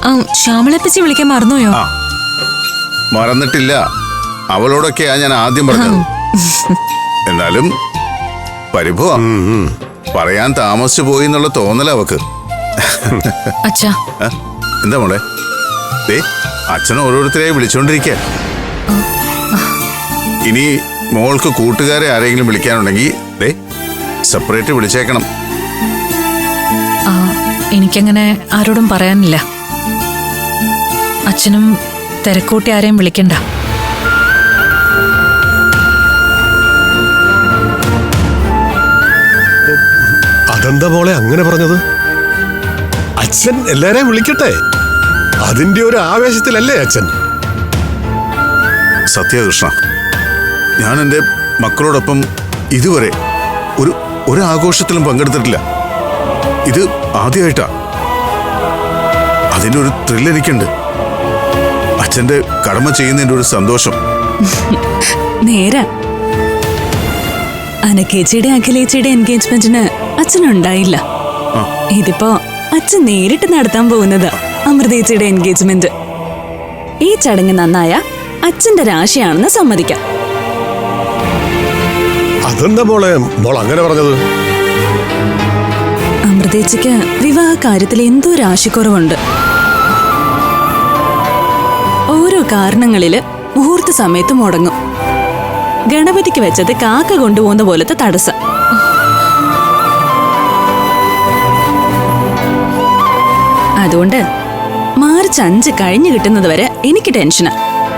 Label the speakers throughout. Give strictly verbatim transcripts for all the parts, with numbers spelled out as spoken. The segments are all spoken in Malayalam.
Speaker 1: ശ്യാമളപ്പച്ചി വിളിക്കാൻ മറന്നുപോയോ?
Speaker 2: മറന്നിട്ടില്ല, അവളോടൊക്കെയാ ഞാൻ ആദ്യം പറഞ്ഞത്. എന്നാലും പരിഭവ പറയാൻ താമസിച്ചു പോയി എന്നുള്ള തോന്നല അവക്ക്.
Speaker 1: അച്ഛാ
Speaker 2: എന്താ മോളെ? ദേ അച്ഛൻ ഓരോരുത്തരെയും വിളിച്ചോണ്ടിരിക്കുക. ഇനി മോൾക്ക് കൂട്ടുകാരെ ആരെങ്കിലും വിളിക്കാനുണ്ടെങ്കിൽ ദേ സെപ്പറേറ്റ് വിളിച്ചേക്കണം.
Speaker 1: എനിക്കങ്ങനെ ആരോടും പറയാനില്ല. അച്ഛനും തിരക്കൂട്ടി ആരെയും വിളിക്കണ്ട.
Speaker 3: അതെന്താ മോളെ അങ്ങനെ പറഞ്ഞത്? അച്ഛൻ എല്ലാരെയും വിളിക്കട്ടെ, അതിന്റെ ഒരു ആവേശത്തിലല്ലേ അച്ഛൻ.
Speaker 2: സത്യകൃഷ്ണ, ഞാൻ എൻ്റെ മക്കളോടൊപ്പം ഇതുവരെ ഒരു ഒരു ആഘോഷത്തിലും പങ്കെടുത്തിട്ടില്ല. ഇത് ആദ്യമായിട്ടാ. അതിൻ്റെ ഒരു ത്രില്ല് എനിക്കുണ്ട്. അച്ഛൻ്റെ കടമ ചെയ്യുന്നതിൻ്റെ ഒരു സന്തോഷം.
Speaker 4: നേരാ. അനക്കേച്ചിയുടെ അഖിലേച്ചിയുടെ എൻഗേജ്മെന്റിന് അച്ഛനുണ്ടായില്ല. ഇതിപ്പോ അച്ഛൻ നേരിട്ട് നടത്താൻ പോകുന്നത് അമൃതേച്ചിയുടെ എൻഗേജ്മെന്റ്. ഈ ചടങ്ങ് നന്നായ അച്ഛന്റെ രാശിയാണെന്ന് സമ്മതിക്കാം.
Speaker 3: അതെന്താ മോളെ മോൾ അങ്ങനെ പറഞ്ഞത്?
Speaker 4: അമൃതേച്ചിക്ക് വിവാഹ കാര്യത്തിൽ എന്തോ രാശിക്കുറവുണ്ട്. ഓരോ കാരണങ്ങളില് മുഹൂർത്ത സമയത്ത് മുടങ്ങും. ഗണപതിക്ക് വെച്ചത് കാക്ക കൊണ്ടുപോകുന്ന പോലത്തെ തടസ്സം. അതുകൊണ്ട് മാർച്ച് അഞ്ച് കഴിഞ്ഞു കിട്ടുന്നത് വരെ എനിക്ക് ടെൻഷനാ.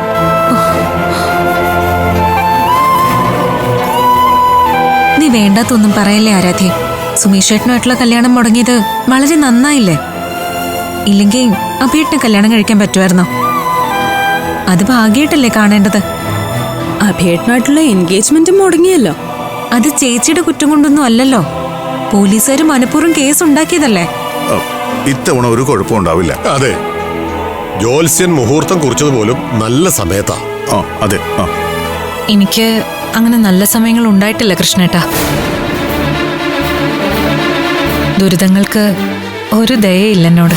Speaker 1: നീ വേണ്ടാത്തൊന്നും പറയല്ലേ ആരാധ്യ. സുമേഷേട്ടനുമായിട്ടുള്ള കല്യാണം മുടങ്ങിയത് വളരെ നന്നായില്ലേ? ഇല്ലെങ്കിൽ അഭിയേട്ടന് കല്യാണം കഴിക്കാൻ പറ്റുമായിരുന്നോ? അത് ഭാഗ്യമായിട്ടല്ലേ കാണേണ്ടത്.
Speaker 4: അഭിയേട്ടനായിട്ടുള്ള എൻഗേജ്മെന്റ് മുടങ്ങിയല്ലോ.
Speaker 1: അത് ചേച്ചിയുടെ കുറ്റം കൊണ്ടൊന്നും അല്ലല്ലോ. പോലീസുകാർ മനഃപൂർവ്വം കേസ് ഉണ്ടാക്കിയതല്ലേ.
Speaker 2: ഇത്തവണ ഒരു കുഴപ്പം ഉണ്ടാവില്ല.
Speaker 3: അതെ, ജോത്സ്യൻ മുഹൂർത്തം കുറിച്ചത് പോലും നല്ല സമയത്താ.
Speaker 2: അതെ,
Speaker 1: എനിക്ക് അങ്ങനെ നല്ല സമയങ്ങൾ ഉണ്ടായിട്ടില്ല കൃഷ്ണേട്ടാ. ദുരിതങ്ങൾക്ക് ഒരു ദയയില്ല എന്നോട്.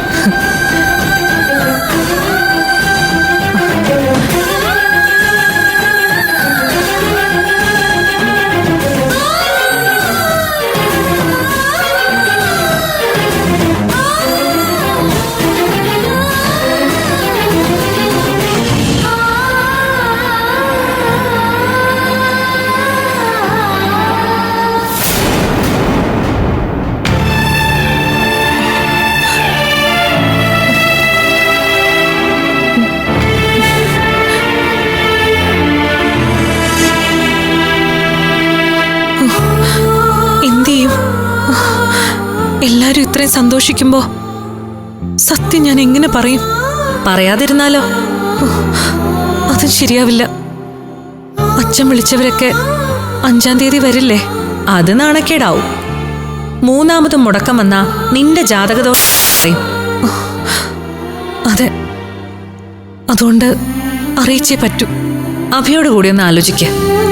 Speaker 1: എല്ലാരും ഇത്രയും സന്തോഷിക്കുമ്പോ സത്യം ഞാൻ എങ്ങനെ പറയും? പറയാതിരുന്നാലോ? അതും ശരിയാവില്ല. അച്ഛൻ വിളിച്ചവരൊക്കെ അഞ്ചാം തീയതി വരില്ലേ? അത് നാണക്കേടാവും. മൂന്നാമതും മുടക്കം വന്നാ നിന്റെ ജാതകദോഷം. അതെ, അതുകൊണ്ട് അറിയിച്ചേ പറ്റൂ. അഭിയോട് കൂടി ഒന്ന് ആലോചിക്ക.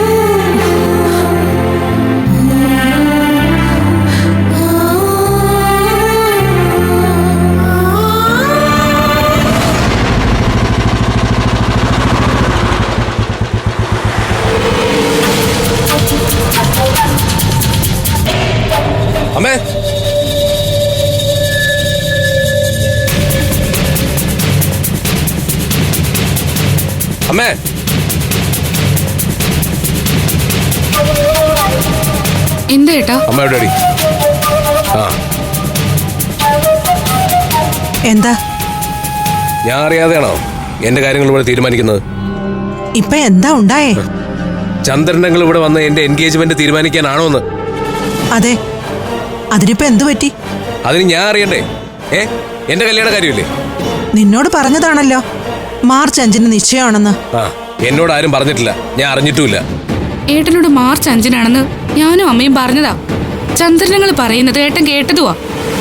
Speaker 5: അമ്മേ, അമ്മേ,
Speaker 6: എന്താ ഏട്ടാ?
Speaker 5: അമ്മ എവിടെയാടി? ആ,
Speaker 7: എന്താ?
Speaker 5: ഞാൻ അറിയാതെയാണോ എന്റെ കാര്യങ്ങൾ ഇവിടെ തീരുമാനിക്കുന്നത്?
Speaker 7: ഇപ്പൊ എന്താ ഉണ്ടായേ?
Speaker 5: ചന്ദ്രനങ്ങൾ ഇവിടെ വന്ന് എന്റെ എൻഗേജ്മെന്റ് തീരുമാനിക്കാനാണോ എന്ന്?
Speaker 7: അതെ, അതിനിപ്പോ എന്തു പറ്റി?
Speaker 5: അതിന് ഞാൻ അറിയണ്ടേ? ഏ എന്റെ കല്യാണ കാര്യമില്ലേ?
Speaker 7: നിന്നോട് പറഞ്ഞതാണല്ലോ മാർച്ച് അഞ്ചിന് നിശ്ചയമാണെന്ന്.
Speaker 5: ആ, എന്നോട് ആരും പറഞ്ഞിട്ടില്ല, ഞാൻ അറിഞ്ഞിട്ടുമില്ല.
Speaker 6: ഏട്ടനോട് മാർച്ച് അഞ്ചിനാണെന്ന് ഞാനും അമ്മയും പറഞ്ഞതാ. ചന്ദ്രനങ്ങൾ പറയുന്നത് ഏട്ടൻ കേട്ടതുവാ.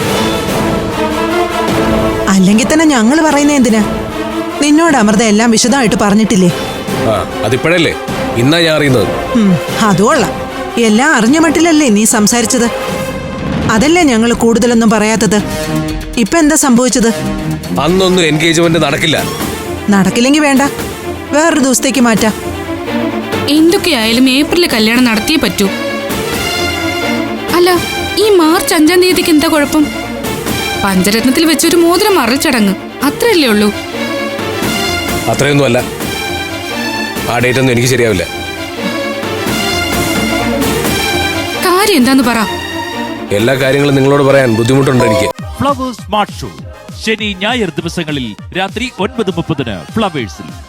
Speaker 7: അല്ലെങ്കിൽ തന്നെ ഞങ്ങൾ പറയുന്ന എന്തിനാ? നിന്നോട് അമൃത എല്ലാം വിശദമായിട്ട് പറഞ്ഞിട്ടില്ലേ?
Speaker 5: ആ, അതിപ്പോഴല്ലേ ഇന്നാ ഞാൻ അറിയുന്നത്.
Speaker 7: അതുകൊള്ളാം. എല്ലാം അറിഞ്ഞ മട്ടിലല്ലേ നീ സംസാരിച്ചത്? അതല്ലേ ഞങ്ങൾ കൂടുതലൊന്നും പറയാത്തത്. ഇപ്പൊ എന്താ സംഭവിച്ചത്?
Speaker 5: അന്നൊന്നും എൻഗേജ്മെന്റ് നടക്കില്ല.
Speaker 7: നടക്കില്ലെങ്കിൽ വേണ്ട, വേറൊരു ദിവസത്തേക്ക് മാറ്റാം.
Speaker 6: എന്തൊക്കെയായാലും ഏപ്രിലിൽ കല്യാണം നടത്തിയേ പറ്റൂ. അല്ല, ഈ മാർച്ച് അഞ്ചാം തീയതിക്ക് എന്താ കുഴപ്പം? പഞ്ചരത്നത്തിൽ വെച്ചൊരു മോതിരം മറൽ ചടങ്ങ്, അത്രയല്ലേ ഉള്ളൂ.
Speaker 5: അത്രയൊന്നും അല്ല. ആ ഡേറ്റ് ഒന്നും എനിക്ക് ശരിയാവില്ല.
Speaker 6: കാര്യം എന്താന്ന് പറ.
Speaker 5: എല്ലാ കാര്യങ്ങളും നിങ്ങളോട് പറയാൻ ബുദ്ധിമുട്ടുണ്ട് എനിക്ക്.
Speaker 8: ഫ്ലവേഴ്സ് സ്മാർട്ട് ഷോ ശനി ഞായർ ദിവസങ്ങളിൽ രാത്രി ഒൻപത് മുപ്പതിന് ഫ്ലവേഴ്സിൽ.